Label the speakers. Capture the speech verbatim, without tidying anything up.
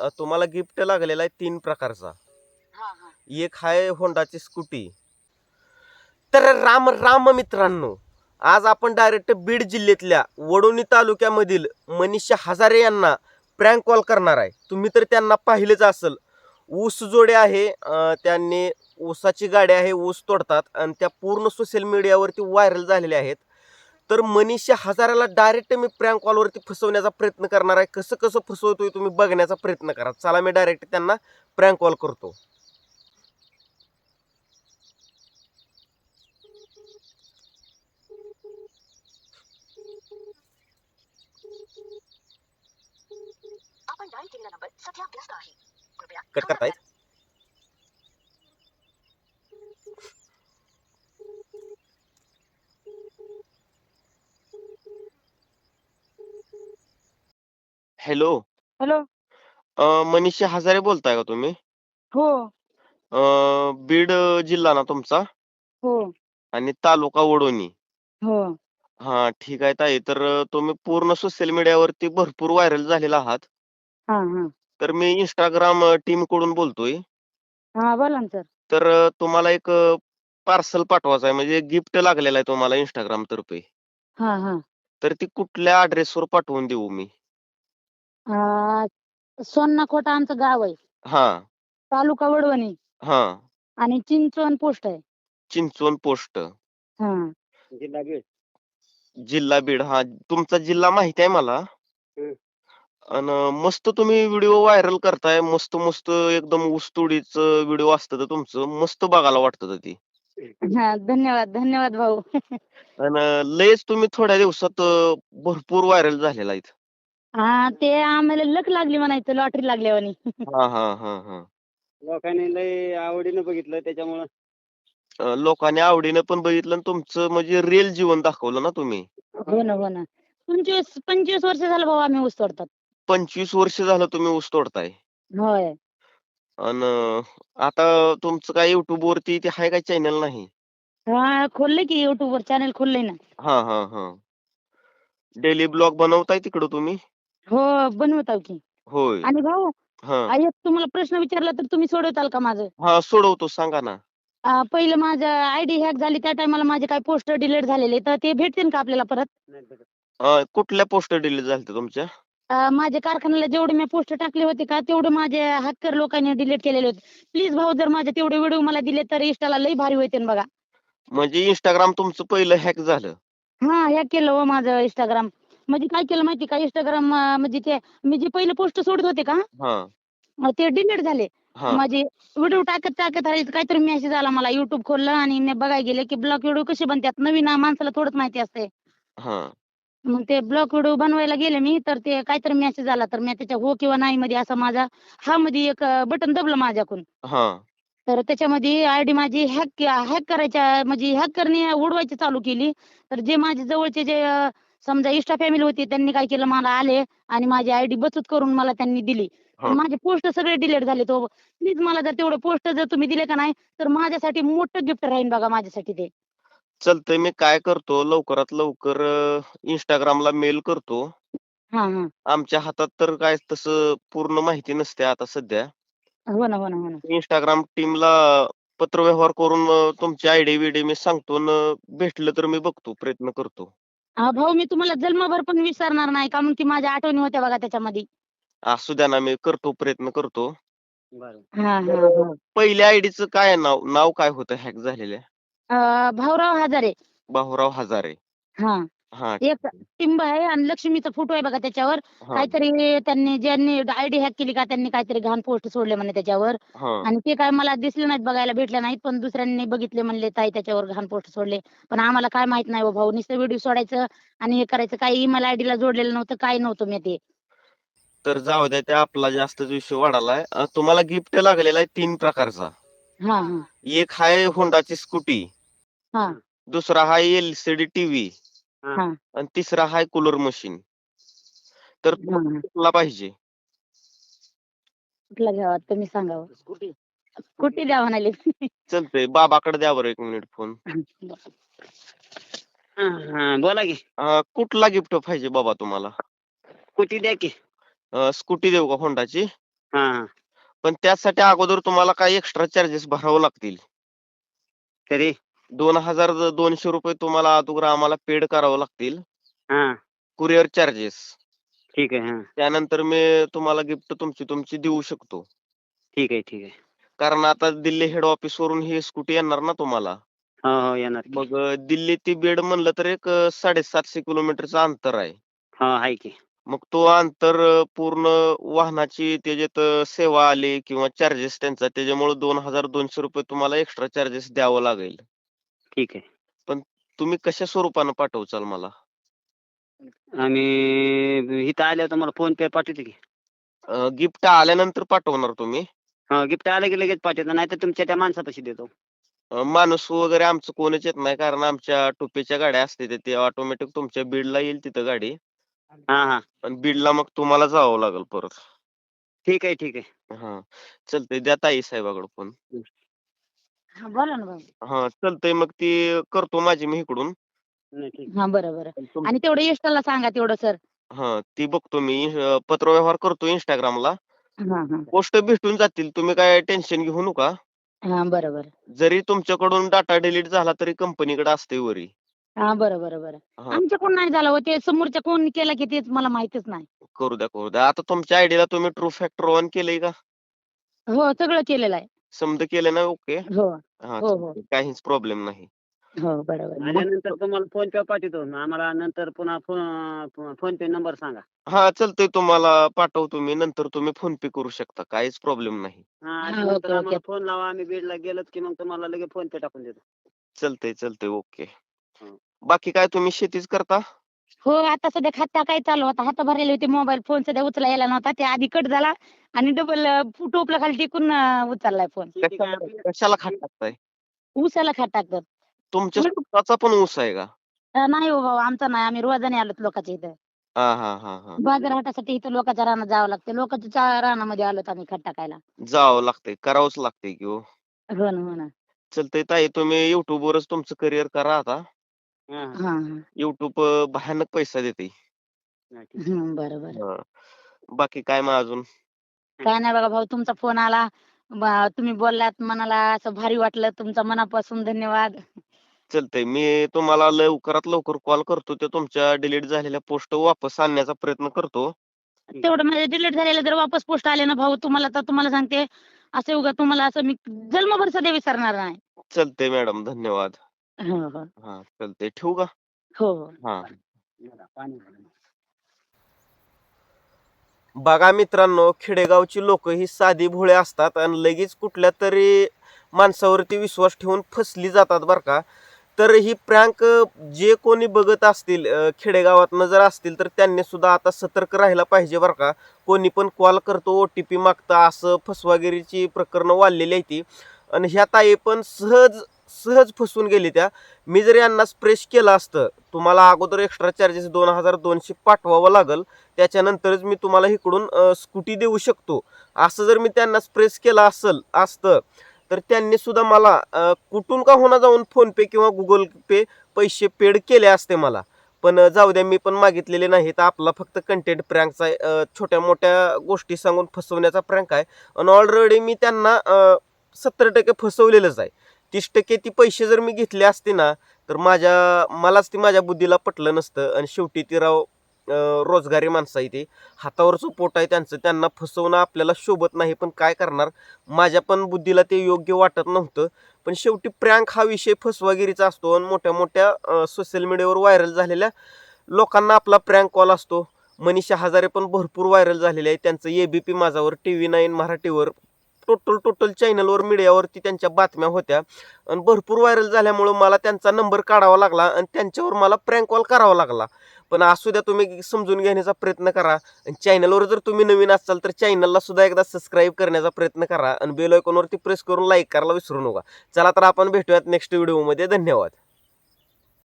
Speaker 1: अ, तुम्हाला गिफ्ट लागलेला आहे तीन प्रकारचा.
Speaker 2: हा हा
Speaker 1: एक आहे होंडाची स्कूटी. तर राम राम मित्रांनो, आज आपण डायरेक्ट बीड जिल्ह्यातल्या वडोणी तालुक्यामधील मनीषा हजारे यांना प्रँक कॉल करणार आहे. तुम्ही तर त्यांना पाहिलेच असेल. ऊस जोडे आहे, अ, त्यांनी ऊसाची गाडी आहे, ऊस तोडतात आणि त्या पूर्ण सोशल मीडियावरती व्हायरल झालेल्या आहेत. तर मनीषा हजारेला डायरेक्ट मी प्रँक कॉलवरती फसवण्याचा प्रयत्न करणार आहे. कसं कसं फसवतोय तुम्ही बघण्याचा प्रयत्न करा. चला, मी डायरेक्ट त्यांना प्रँक कॉल करतो.
Speaker 2: आपण डायल केलेला नंबर सध्या व्यस्त आहे. कृपया
Speaker 1: कट
Speaker 2: थोडा
Speaker 1: करतायत. हॅलो.
Speaker 3: हॅलो.
Speaker 1: अ, मनीषा हजारे बोलताय का तुम्ही?
Speaker 3: हो.
Speaker 1: अ, बीड अ, जिल्हा ना तुमचा
Speaker 3: हो.
Speaker 1: आणि तालुका वडोणी.
Speaker 3: हो.
Speaker 1: हां, ठीक आहे ताई. तर अ, तुम्ही पूर्ण सोशल मीडियावरती भरपूर व्हायरल झालेला आहात.
Speaker 3: हां, हां.
Speaker 1: तर मी Instagram अ, टीमकडून बोलतोय.
Speaker 3: हां, बोला ना सर.
Speaker 1: तर अ, तुम्हाला एक पार्सल पाठवायचं आहे, म्हणजे गिफ्ट लागलेलं आहे तुम्हाला Instagram तर्फे.
Speaker 3: हां, हां.
Speaker 1: तर ती कुठल्या ॲड्रेसवर पाठवून देऊ मी?
Speaker 3: अ, सोन्नाकोटा आमचं गाव आहे.
Speaker 1: हां,
Speaker 3: तालुका वडवणी
Speaker 1: हां.
Speaker 3: आणि चिंचवण पोस्ट आहे.
Speaker 1: चिंचवण पोस्ट.
Speaker 3: हां.
Speaker 2: जिल्हा बीड.
Speaker 1: जिल्हा बीड. हां, तुमचा जिल्हा माहिती आहे मला. अन मस्त तुम्ही व्हिडिओ व्हायरल करताय. मस्त-मस्त एकदम ऊसतोडीचं व्हिडिओ असतं तर तुमचं. मस्त बघायला वाटतं ते.
Speaker 3: हां, धन्यवाद, धन्यवाद भाऊ.
Speaker 1: अन लयच तुम्ही थोड्या दिवसात अ, भरपूर व्हायरल झालेला आहेत.
Speaker 3: हां, ते आम्हाला लक लागली म्हणायचं लॉटरी लागल्यावानी.
Speaker 1: हां, हां, हां, हां.
Speaker 2: लोकांनी लय आवडीनं बघितलं त्याच्यामुळं.
Speaker 1: अ, लोकांनी आवडीनं पण बघितलं आणि तुमचं म्हणजे रिअल जीवन दाखवलं ना तुम्ही.
Speaker 3: हो ना, हो ना. पंचवीस पंचवीस वर्ष झालं भाऊ आम्ही ऊस तोडतात.
Speaker 1: पंचवीस वर्ष झालं तुम्ही ऊस तोडताय.
Speaker 3: होय.
Speaker 1: अन आता तुमचं काय YouTubeवरती ते आहे काय चॅनल नाही?
Speaker 3: हां, खोललंय की YouTubeवर चॅनल खोललंय ना.
Speaker 1: हां, हां, हां. डेली ब्लॉग बनवताय तिकडं तुम्ही?
Speaker 3: हो, बनवत की.
Speaker 1: होय.
Speaker 3: आणि भाऊ,
Speaker 1: हां.
Speaker 3: आ, एक तुम्हाला प्रश्न विचारला तर तुम्ही सोडवताल का माझं?
Speaker 1: हां, सोडवतो, सांगा ना.
Speaker 3: अ, पहिलं माझं आयडी हॅक झाली त्या टायमाला माझे काही पोस्ट डिलीट झालेले, तर ते भेटतील का आपल्याला परत?
Speaker 2: नाही भेटत.
Speaker 1: अ, कुठल्या पोस्ट डिलीट झालत्या तुमच्या?
Speaker 3: अ, माझ्या कारखान्याला जेवढे मी पोस्ट टाकले होते का, तेवढे माझे हॅकर लोकांनी डिलीट केलेले होते. प्लीज भाऊ, जर माझे तेवढे व्हिडिओ मला दिले तर Instaला लई भारी होतील बघा.
Speaker 1: म्हणजे Instagram तुमचं पहिलं हॅक झालं.
Speaker 3: हां, हॅक केलं हो माझं Instagram. म्हणजे काय केलं माहिती का Instagram, म्हणजे ते मी जे पहिले पोस्ट सोडत होते का,
Speaker 1: हां,
Speaker 3: अ, ते डिलीट झाले.
Speaker 1: हां,
Speaker 3: माझे व्हिडिओ टाकत टाकत राहिले काहीतरी मेसेज आला मला. YouTube खोललं आणि मी बघायला गेले की ब्लॉक व्हिडिओ कसे बनतात. नवीन माणसाला थोडंच माहिती असते.
Speaker 1: हां,
Speaker 3: मग ते ब्लॉक व्हिडिओ बनवायला गेले मी, तर ते काहीतरी मेसेज आला, तर मी त्याच्या हो किंवा नाही मध्ये असा माझा हा मध्ये एक बटन दबलं माझ्याकडून.
Speaker 1: हां,
Speaker 3: तर त्याच्यामध्ये आयडी माझी हॅक हॅक करायच्या म्हणजे हॅक करणे उडवायची चालू केली. तर जे माझे जवळचे जे अ, समजा इन्स्टा फॅमिली होती त्यांनी काय केलं, मला आले आणि माझी आयडी बचत करून मला त्यांनी दिली. आणि
Speaker 1: हां.
Speaker 3: माझे पोस्ट सगळे डिलीट झाले. तो प्लीज मला जर तेवढे पोस्ट जर तुम्ही दिले का नाही, तर माझ्यासाठी मोठं गिफ्ट राहील बघा माझ्यासाठी ते.
Speaker 1: चालतंय, मी काय करतो लवकरात लवकर अ, Instagramला मेल करतो.
Speaker 3: हां, हां.
Speaker 1: आमच्या हातात तर काय तसं पूर्ण माहिती नसते आता सध्या.
Speaker 3: हो ना, हो ना, हो ना.
Speaker 1: Instagram टीमला पत्रव्यवहार करून अ, तुमची आयडी-विडी मी सांगतो अन् भेटलं तर मी बघतो, प्रयत्न करतो.
Speaker 3: अ, भाऊ, मी तुम्हाला जन्मभर पण विसरणार नाही, कारण की माझ्या आठवणी होत्या बघा त्याच्यामध्ये.
Speaker 1: असू द्या ना, मी करतो, प्रयत्न करतो.
Speaker 2: बरं.
Speaker 3: हां,
Speaker 1: तर
Speaker 3: हां,
Speaker 1: अ,
Speaker 3: हां.
Speaker 1: पहिल्या आयडीचं काय आहे नाव? नाव काय होतं हॅक झालेल्या?
Speaker 3: अ, भाऊराव हजारे.
Speaker 1: बाहुराव हजारे.
Speaker 3: हां.
Speaker 1: हां,
Speaker 3: एक टिंब आहे आणि लक्ष्मीचा फोटो आहे बघा त्याच्यावर.
Speaker 1: हां,
Speaker 3: काहीतरी त्यांनी ज्यांनी आयडी हॅक केली का त्यांनी काहीतरी घाण पोस्ट सोडले म्हणे त्याच्यावर.
Speaker 1: हां.
Speaker 3: आणि ते काय मला दिसले नाहीत, बघायला भेटले नाहीत. पण दुसऱ्यांनी बघितले, म्हणले ताई त्याच्यावर घाण पोस्ट सोडले. पण आम्हाला काय माहित नाही हो भाऊ. नुसतं व्हिडिओ सोडायचं आणि हे करायचं. काही ईमेल आयडीला जोडलेलं नव्हतं, काही नव्हतं मी ते.
Speaker 1: तर जाऊ द्या, ते आपला जास्तच विषय वाढालाय. अ, तुम्हाला गिफ्ट लागलेला आहे तीन प्रकारचा.
Speaker 3: हां, हां.
Speaker 1: एक आहे होंडाची स्कूटी,
Speaker 3: हां,
Speaker 1: दुसरा आहे एल-सी-डी टीव्ही
Speaker 2: हां.
Speaker 3: हां,
Speaker 1: आणि तिसरा आहे कूलर मशीन. तर
Speaker 3: हां,
Speaker 1: तुम्हाला
Speaker 3: हां.
Speaker 1: कुठला पाहिजे?
Speaker 3: कुठला घ्यावा तुम्ही सांगा हो.
Speaker 2: स्कूटी.
Speaker 3: स्कूटी द्या म्हणाले.
Speaker 1: चालतंय, बाबाकडे द्या बरं एक मिनिट फोन.
Speaker 2: हां, हां. बोला की.
Speaker 1: अ, कुठला गिफ्ट पाहिजे बाबा तुम्हाला?
Speaker 2: स्कूटी द्या की.
Speaker 1: अ, स्कूटी देऊ का होंडाची?
Speaker 4: हा हा
Speaker 1: पण त्यासाठी अगोदर तुम्हाला काही एक्स्ट्रा चार्जेस भरावे लागतील.
Speaker 4: तरी
Speaker 1: दोन हजार दोनशे रुपये तुम्हाला अगोदर आम्हाला पेड करावं लागतील.
Speaker 4: हा
Speaker 1: कुरिअर चार्जेस.
Speaker 4: ठीक आहे. हा
Speaker 1: त्यानंतर मी तुम्हाला गिफ्ट तुमची तुमची देऊ शकतो.
Speaker 4: ठीक आहे ठीक आहे.
Speaker 1: कारण आता दिल्ली हेड ऑफिस वरून ही स्कूटी येणार ना तुम्हाला.
Speaker 4: हो हो येणार की.
Speaker 1: मग अ, दिल्ली ते बीड म्हणलं तर एक अ, साडेसातशे किलोमीटरचं अंतर आहे.
Speaker 4: हा आहे की.
Speaker 1: मग तो अंतर अ, पूर्ण वाहनाची त्याच्यात अ, सेवा आली किंवा चार्जेस त्यांचा त्याच्यामुळे दोन हजार दोनशे रुपये तुम्हाला एक्स्ट्रा चार्जेस द्यावं लागेल.
Speaker 4: ठीक आहे.
Speaker 1: पण तुम्ही कशा स्वरूपानं पाठवचाल मला?
Speaker 4: आम्ही इथं आल्यावर तुम्हाला फोन पे पाठवतो की.
Speaker 1: गिफ्ट आल्यानंतर पाठवणार तुम्ही?
Speaker 4: हा गिफ्ट आलं की लगेच पाठवतो, नाही तर तुमच्या त्या माणसापाशी देतो.
Speaker 1: अ, माणूस वगैरे आमचं कोणच येत नाही कारण आमच्या टोपेच्या गाड्या असते ते ऑटोमॅटिक तुमच्या बीडला येईल तिथं गाडी.
Speaker 4: हा हा
Speaker 1: आणि बीडला मग तुम्हाला जावं लागेल परत.
Speaker 4: ठीक आहे ठीक आहे.
Speaker 1: हा चालतंय द्या ताई साहेबाकडे फोन.
Speaker 3: हा बोला ना भाऊ.
Speaker 1: हा चालतंय मग ती करतो माझी मी इकडून.
Speaker 4: नाही, ठीक आहे.
Speaker 3: हा बरं बरं.
Speaker 1: पण तुम-
Speaker 3: आणि तेवढं यशला सांगा तेवढं सर.
Speaker 1: हा ती बघतो मी अ, पत्रव्यवहार करतो इंस्टाग्रामला.
Speaker 3: हा हा
Speaker 1: पोस्ट भेटून जातील तुम्ही काय टेन्शन घेऊ नका.
Speaker 3: हा बरं बरं.
Speaker 1: जरी तुमच्याकडून डाटा डिलीट झाला तरी कंपनीकडे असते वरी.
Speaker 3: हा बरं बरं बरं.
Speaker 1: हा
Speaker 3: आमच्या कोण नाही झालं हो, ते समोरच्या कोण केलं की तेच मला माहितच नाही.
Speaker 1: करू द्या करू द्या. आता तुमच्या आयडीला तुम्ही ट्रू फॅक्टर ऑन केलंय का?
Speaker 3: हो सगळं केलेलं आहे.
Speaker 1: समजा केलं ना ओके.
Speaker 3: हो
Speaker 1: हा
Speaker 3: हो हो
Speaker 1: चालतंय. काहीच प्रॉब्लेम नाही.
Speaker 3: हो बरोबर.
Speaker 4: आल्यानंतर तुम्हाला फोन पे पाठवतो. आम्हाला नंतर पुन्हा फोन फोन पे नंबर सांगा.
Speaker 1: हा चालतंय तुम्हाला पाठवतो मी नंतर तुम्ही फोन पे करू शकता काहीच प्रॉब्लेम नाही.
Speaker 4: हा
Speaker 3: हा,
Speaker 4: आल्यानंतर
Speaker 3: ओके,
Speaker 4: आम्हाला
Speaker 3: ओके.
Speaker 4: फोन लावा, आम्ही बीडला गेलोत की मग तुम्हाला लगेच फोन पे टाकून देतो.
Speaker 1: चालतंय चालतंय ओके.
Speaker 4: हं.
Speaker 1: बाकी काय तुम्ही शेतीच करता?
Speaker 3: हो आता सध्या खाता काय चालू होता, हात भरलेले होते, मोबाईल फोन सध्या उचला यायला नव्हता, ते आधी कट झाला आणि डबल टोपला खाली टिकून अं, उचललाय फोन.
Speaker 4: शेती काय
Speaker 1: कशाला
Speaker 4: आपली?
Speaker 1: कशाला खात टाकताय?
Speaker 3: ऊसाला खात टाकतात.
Speaker 1: तुमच्या स्वतःचा पण ऊस आहे का?
Speaker 3: अं, नाही हो भाऊ आमचा नाही, आम्ही रोजाने आलोत लोकांच्या इथं.
Speaker 1: हा हा हा हा
Speaker 3: बाजारहाटासाठी इथं लोकांच्या रानात जावं लागतं, लोकांच्या चा- रानामध्ये आलोत आम्ही खत टाकायला.
Speaker 1: जावं लागतंय करावंच लागतंय की हो.
Speaker 3: हो ना हो ना.
Speaker 1: चालतंय ताई तुम्ही युट्यूब वरच तुमचं करिअर करा आता.
Speaker 4: हा, हा.
Speaker 3: हा हा.
Speaker 1: युट्यूब भयानक पैसा देते.
Speaker 4: हा, ठीक आहे.
Speaker 3: हम्म, बरं बरं.
Speaker 1: हा. बाकी काय मग अजून?
Speaker 3: काय नाही बघा भाऊ, तुमचा फोन आला, ब- तुम्ही बोललात, मनाला असं भारी वाटलं, तुमचा मनापासून धन्यवाद.
Speaker 1: चालतंय मी तुम्हाला लवकरात लवकर कॉल करतो ते तुमच्या डिलीट झालेल्या पोस्ट वापस आणण्याचा प्रयत्न करतो.
Speaker 3: तेवढं माझे डिलीट झालेलं जर वापस पोस्ट आले ना भाऊ, तुम्हाला तर तुम्हाला सांगते, असं उगा तुम्हाला असं मी जन्मभर सध्या विसरणार नाही.
Speaker 1: चालतंय मॅडम धन्यवाद.
Speaker 3: हो हो
Speaker 1: हा चालतंय ठेवू का?
Speaker 3: हो हो.
Speaker 1: हा.
Speaker 4: जरा पाणी भरून.
Speaker 1: बघा मित्रांनो खेडेगावची लोक ही साधी भोळे असतात आणि लगेच कुठल्या तरी माणसावरती विश्वास ठेवून फसली जातात बरं का. तर ही प्रँक जे कोणी बघत असतील अ, खेडेगावातनं जर असतील तर त्यांनी सुद्धा आता सतर्क राहायला पाहिजे बरं का. कोणी पण कॉल करतो ओ टी पी मागतं असं फसवागिरीची प्रकरणं वाढलेली आहे ती. आणि ह्या ताई पण सहज सहज फसून गेली त्या. मी जर यांना स्प्रेश केलं असतं तुम्हाला अगोदर एक्स्ट्रा चार्जेस दोन हजार दोनशे पाठवावं लागेल, त्याच्यानंतरच मी तुम्हाला इकडून स्कूटी देऊ शकतो असं जर मी त्यांना स्प्रेस केलं असेल असतं तर त्यांनी सुद्धा मला अ, कुठून का होणार जाऊन फोन पे किंवा गुगल पे पैसे पेड केले असते मला. पण अ, जाऊ द्या मी पण मागितलेले नाही, तर आपला फक्त कंटेंट प्रँकचा आहे, अ, छोट्या मोठ्या गोष्टी सांगून फसवण्याचा प्रँक आहे. आणि ऑलरेडी मी त्यांना सत्तर टक्के फसवलेलंच आहे. तीस टक्के ती पैसे जर मी घेतले असते ना तर माझ्या मलाच ती माझ्या बुद्धीला पटलं नसतं. आणि शेवटी ती राव अ, रोजगारी माणसं आहे ते, हातावरचं पोट आहे त्यांचं, त्यांना फसवणं आपल्याला शोभत नाही, पण काय करणार, माझ्या पण बुद्धीला ते योग्य वाटत नव्हतं. पण शेवटी प्रँक हा विषय फसवागिरीचा असतो आणि मोठ्या मोठ्या सोशल मीडियावर व्हायरल झालेल्या लोकांना आपला प्रँक कॉल असतो. मनीषा हजारे पण भरपूर व्हायरल झालेले आहे, त्यांचं एबीपी माझावर, टी व्ही नाईन मराठीवर, टोटल टोटल चॅनलवर मीडियावरती त्यांच्या बातम्या होत्या आणि भरपूर व्हायरल झाल्यामुळं मला त्यांचा नंबर काढावा लागला आणि त्यांच्यावर मला प्रँक कॉल करावा लागला. पण असू द्या, तुम्ही समजून घेण्याचा प्रयत्न करा. आणि चॅनलवर जर तुम्ही नवीन असाल तर चॅनलला सुद्धा एकदा सबस्क्राईब करण्याचा प्रयत्न करा आणि बेल आयकॉनवरती प्रेस करून लाईक करायला विसरू नका. चला तर आपण भेटूयात नेक्स्ट व्हिडिओमध्ये. धन्यवाद.